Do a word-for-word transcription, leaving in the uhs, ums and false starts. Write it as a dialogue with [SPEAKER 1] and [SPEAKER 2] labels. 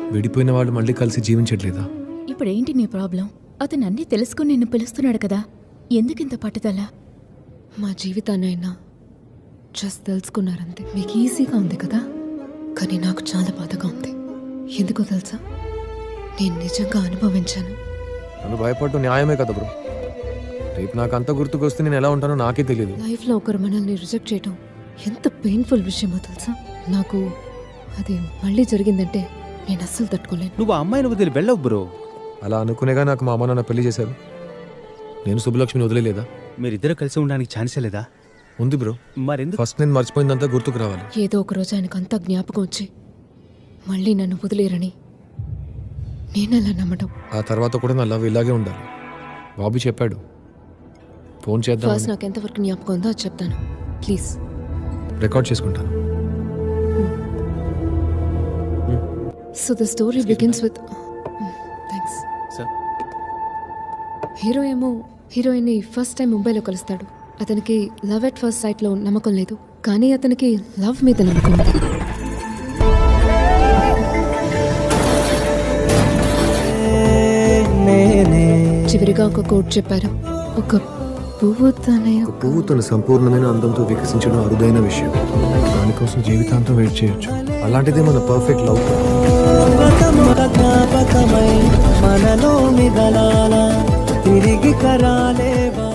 [SPEAKER 1] విడిపోయిన వాళ్ళు మళ్ళీ కలిసి జీవించట్లేదా?
[SPEAKER 2] ఇప్పుడేంటి నీ ప్రాబ్లం? అతను అన్నీ తెలుసుకుని నిన్ను పిలుస్తున్నాడు కదా, ఎందుకింత పట్టుదల?
[SPEAKER 3] మా జీవితాన్ని అయినా జస్ట్ తెలుసుకున్నారంతే. మీకు ఈజీగా ఉంది కదా, కానీ నాకు చాలా బాధగా ఉంది. ఎందుకో తెలుసా, నేను నిజంగా అనుభవించాను.
[SPEAKER 1] నన్ను భయపడటం న్యాయమే కదా బ్రో. రేపు నాకు అంత గుర్తుకొస్తే నేను ఎలా ఉంటానో నాకే తెలియదు.
[SPEAKER 3] లైఫ్లో ఒకరు మనల్ని రిజెక్ట్ చేయడం ఎంత పెయిన్ఫుల్ విషయమో తెలుసా. నాకు అది మళ్ళీ జరిగిందంటే నేను అస్సలు తట్టుకోలేను.
[SPEAKER 4] నువ్వు ఆ అమ్మాయిని వదిలి వెళ్ళవు బ్రో.
[SPEAKER 1] అలా అనుకునేగా నాకు మా అమ్మ నాన్న పెళ్లి చేశారు. నేను సుబ్బలక్ష్మిని వదిలేదా?
[SPEAKER 4] మీరిద్దరు కలిసి ఉండడానికి ఛాన్సే లేదా?
[SPEAKER 1] ఉంది బ్రో.
[SPEAKER 4] మరెందుకు?
[SPEAKER 1] ఫస్ట్ నేను మర్చిపోయిందంతా గుర్తుకు రావాలి.
[SPEAKER 3] ఏదో ఒక రోజు ఆయనకు అంతా జ్ఞాపకం వచ్చి మళ్ళీ నన్ను వదిలేరని నేనలా నమ్మడం.
[SPEAKER 1] ఆ తర్వాత కూడా నా లవ్ ఇలాగే ఉండాలి. బాబీ చెప్పాడు ఫోన్ చేద్దాం.
[SPEAKER 3] ఫస్ట్ నాకు ఎంతవరకు జ్ఞాపకం ఉందో అది చెప్తాను ప్లీజ్.
[SPEAKER 1] రికార్డ్ చేసుకుంటాను.
[SPEAKER 3] So the story begins with thanks.
[SPEAKER 4] Sir,
[SPEAKER 3] hero ఏమో హీరోయిన్ని ఫస్ట్ టైం ముంబైలో కలుస్తాడు. అతనికి లవ్ ఎట్ ఫస్ట్ సైట్లో నమ్మకం లేదు, కానీ అతనికి లవ్ మీద నమ్మకం ఉంది. చివరిగా ఒక కోట్ చెప్పారు, ఒక పువ్వు తన
[SPEAKER 1] పువ్వు తన సంపూర్ణమైన అందంతో వికసించడం అరుదైన విషయం. దానికోసం జీవితాంతం వెయిట్ చేయొచ్చు. అలాంటిదే మన పర్ఫెక్ట్ లవ్.
[SPEAKER 5] మనలో మిగలాల తిరిగి కరాలేవా